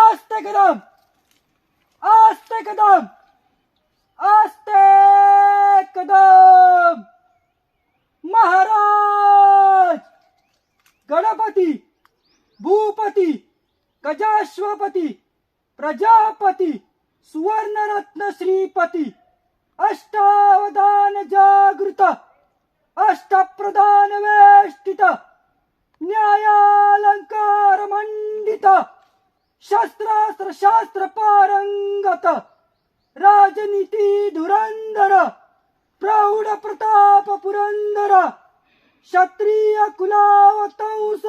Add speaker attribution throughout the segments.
Speaker 1: आस्ते कदम, आस्ते कदम, आस्ते कदम। महाराज गणपती भूपती गजाश्वपती प्रजापती सुवर्णरत्न श्रीपती अष्टावधान जागृत अष्टप्रधान वेष्टित न्यायालंकार मंडित शस्त्रास्त्र शास्त्र पारंगत राजनीती धुरंधर प्रौढ प्रताप पुरंदर क्षत्रिय कुलावतंस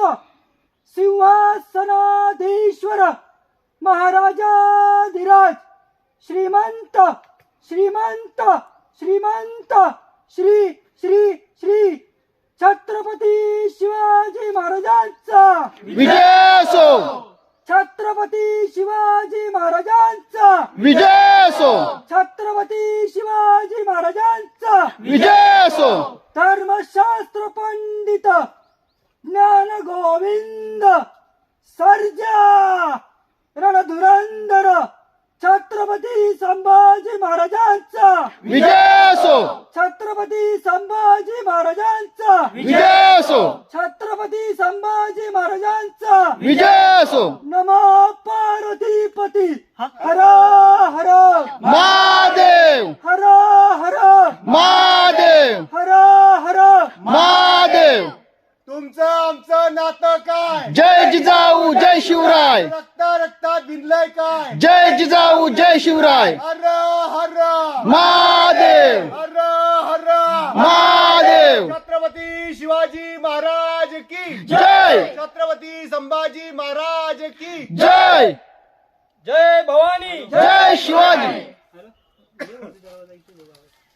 Speaker 1: सिंहासनाधीश्वर महाराजाधिराज श्रीमंत श्रीमंत श्रीमंत श्री श्री श्री छत्रपती शिवाजी महाराजांचा
Speaker 2: विजय असो,
Speaker 1: छत्रपती शिवाजी महाराजांचा
Speaker 2: विजय असो,
Speaker 1: छत्रपती शिवाजी महाराजांचा
Speaker 2: विजय असो।
Speaker 1: धर्मशास्त्र पंडित ज्ञान गोविंद सर्जा रणधुरंधर छत्रपती संभाजी महाराजांचा
Speaker 2: विजय असो,
Speaker 1: छत्रपती संभाजी महाराजांचा
Speaker 2: विजय असो,
Speaker 1: छत्रपती संभाजी महाराजांचा
Speaker 2: विजय असो।
Speaker 1: नमो पार्वतीपती हर हर
Speaker 2: महादेव,
Speaker 1: हर हर
Speaker 2: महादेव,
Speaker 1: हर हर
Speaker 2: महादेव।
Speaker 3: तुमचं आमचं नातं काय?
Speaker 2: जय जिजाऊ जय शिवराय,
Speaker 3: रक्तात भिनलंय काय?
Speaker 2: जय जिजाऊ जय शिवराय।
Speaker 3: हर हर
Speaker 2: महादेव,
Speaker 3: हर हर
Speaker 2: महादेव।
Speaker 3: छत्रपती शिवाजी महाराज की
Speaker 2: जय,
Speaker 3: छत्रपती संभाजी महाराज की
Speaker 2: जय,
Speaker 1: जय भवानी
Speaker 2: जय शिवाजी।